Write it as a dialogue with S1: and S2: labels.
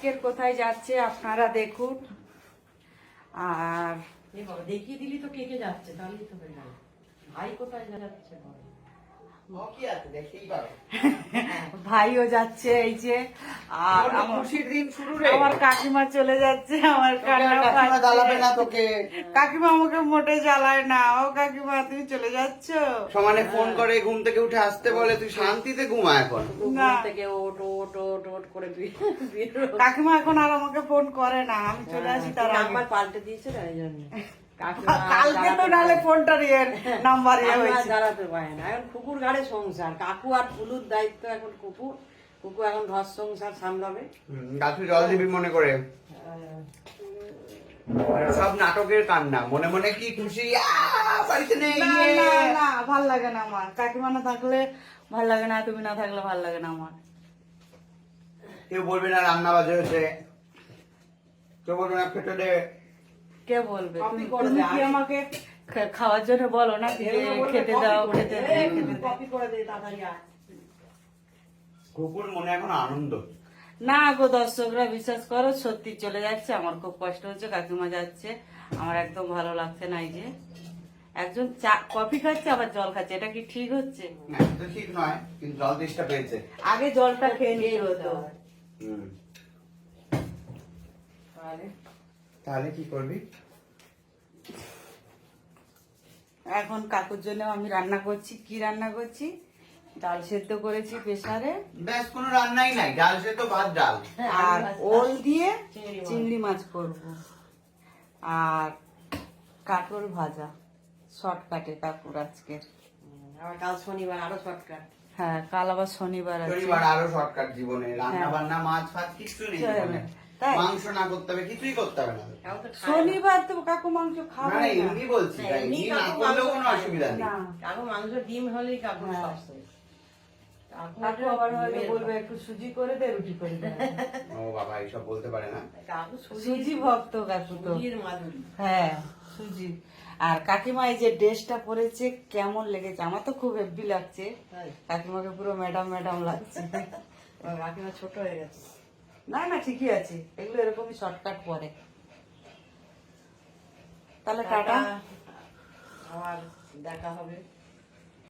S1: আজকের কোথায় যাচ্ছে আপনারা দেখুন। আর
S2: দেখিয়ে দিলি তো কে কে যাচ্ছে, তাহলেই তো হয়ে গেল। ভাই কোথায় যাচ্ছে বল।
S1: ভাইও যাচ্ছে এই যে, আর
S3: খুশির দিন শুরু রে।
S1: আমার কাকিমা চলে যাচ্ছে। আমার কান্না
S3: কাকিমা জ্বালাবে না
S1: পাচ্ছে।
S3: তোকে।
S1: কাকিমা আমাকে মোটে জ্বালায় না। ও কাকিমা তুমি চলে যাচ্ছ?
S3: সমানে ফোন করে ঘুম থেকে উঠে আসতে বলে, তুই শান্তিতে ঘুমা এখন।
S2: ঘুম
S1: না।
S2: থেকে ওট ওট ওট ওট করে বেরো।
S1: কাকিমা এখন আর আমাকে ফোন করে না, আমি চলে আসি তার আগে।
S2: নাম্বার পাল্টে দিয়েছে না এই জন্য।
S1: কালকে তো নালে ফোনটা ইয়ে নাম্বার ইয়ে
S2: কাকিমা
S1: হয়েছে।
S2: জ্বালাতে পারে না, এখন কুকুর ঘাড়ে সংসার। কাকু আর ফুলুর দায়িত্ব এখন কুকুর। কুকুর এখন ঘর সংসার সামলাবে।
S3: গাছু জল দিবি মনে করে। সব নাটকের কান্না, মনে মনে কি খুশি, বাড়িতে নেই।
S1: না না না, ভাল লাগে না আমার। কাকিমা না থাকলে ভাল লাগে না, তুমি না থাকলে ভাল লাগে না আমার।
S3: কেউ বলবে না রান্না বাজে হয়েছে, কেউ বলবে না খেতে দে।
S1: কে বলবে?
S2: কপি
S1: তুমি
S2: করে
S1: তুমি
S2: দে,
S1: কি আমাকে খাওয়ার জন্য বলো না যে খেতে দাও, খেতে দাও, খেতে দাও।
S2: কপি করে দে তাড়াতাড়ি আয়।
S3: কুকুর মনে এখন আনন্দ।
S1: না গো দর্শকরা, বিশ্বাস করো সত্যি চলে যাচ্ছে। আমার খুব কষ্ট হচ্ছে, কাকিমা যাচ্ছে, আমার একদম ভালো লাগছে না। এই যে একজন চা কফি খাচ্ছে আবার জল খাচ্ছে, এটা কি ঠিক হচ্ছে?
S3: না, এটা ঠিক নয়, কিন্তু জল তেষ্টা পেয়েছে।
S1: আগে জলটা খেয়ে নিতে হতো।
S3: হুম।
S2: তাহলে
S3: তাহলে কি করবি?
S1: এখন কাকুর জন্য আমি রান্না করছি। কি রান্না করছি? ডাল সেদ্ধ করেছি প্রেসারে,
S3: ব্যাস, কোনো রান্নাই নাই, ডাল সে তো ভাত ডাল।
S1: আর ওল দিয়ে
S2: চিংড়ি মাছ।
S1: চিংড়ি মাছ করব, আর কাঁকরোল ভাজা। শর্টকাটে কাকুর আজকের।
S2: আবার কাল শনিবার আরো শর্টকাট।
S1: হ্যাঁ, কাল আবার শনিবার আছে।
S3: শনিবার আরো শর্টকাট জীবনে, রান্না
S1: হ্যাঁ।
S3: বান্না মাছ ফাছ কিছু নেই
S1: চলে
S3: জীবনে।
S1: না। তাই?
S3: মাংস না করতে হবে, কিছুই করতে হবে না।
S2: তাও তো খায় না।
S1: শনিবার তো কাকু মাংস
S3: না
S1: খাবে
S3: না,
S1: না।
S3: এমনি বলছি,
S2: হ্যাঁ,
S3: তাই
S2: এমনি
S3: এমনি না
S2: কাকু
S3: করলেও
S2: মাংস
S3: কোনো
S2: খায়
S3: অসুবিধা নেই।
S1: না,
S2: কাকু মাংস ডিম হলেই কাকু
S1: হ্যাঁ।
S2: সবসময়।
S1: কাকু আবার হয়তো বলবে একটু সুজি করে দে, রুটি করে দে।
S3: ও বাবা, এইসব বলতে পারে না।
S2: কাকু
S1: সুজি ভক্ত কাকু তো।
S2: সুজির মাধুরী।
S1: হ্যাঁ, সুজি। আর কাকিমা এই যে ড্রেসটা পরেছে কেমন লেগেছে? আমার তো খুব হেভি লাগছে।
S2: তাই?
S1: কাকিমাকে পুরো ম্যাডাম ম্যাডাম লাগছে।
S2: আমার কাকিমা ছোট হয়ে গেছে।
S1: না না, ঠিকই আছে, এগুলো এরকমই শর্টকাট পরে। তাহলে টাটা।
S2: আবার দেখা হবে।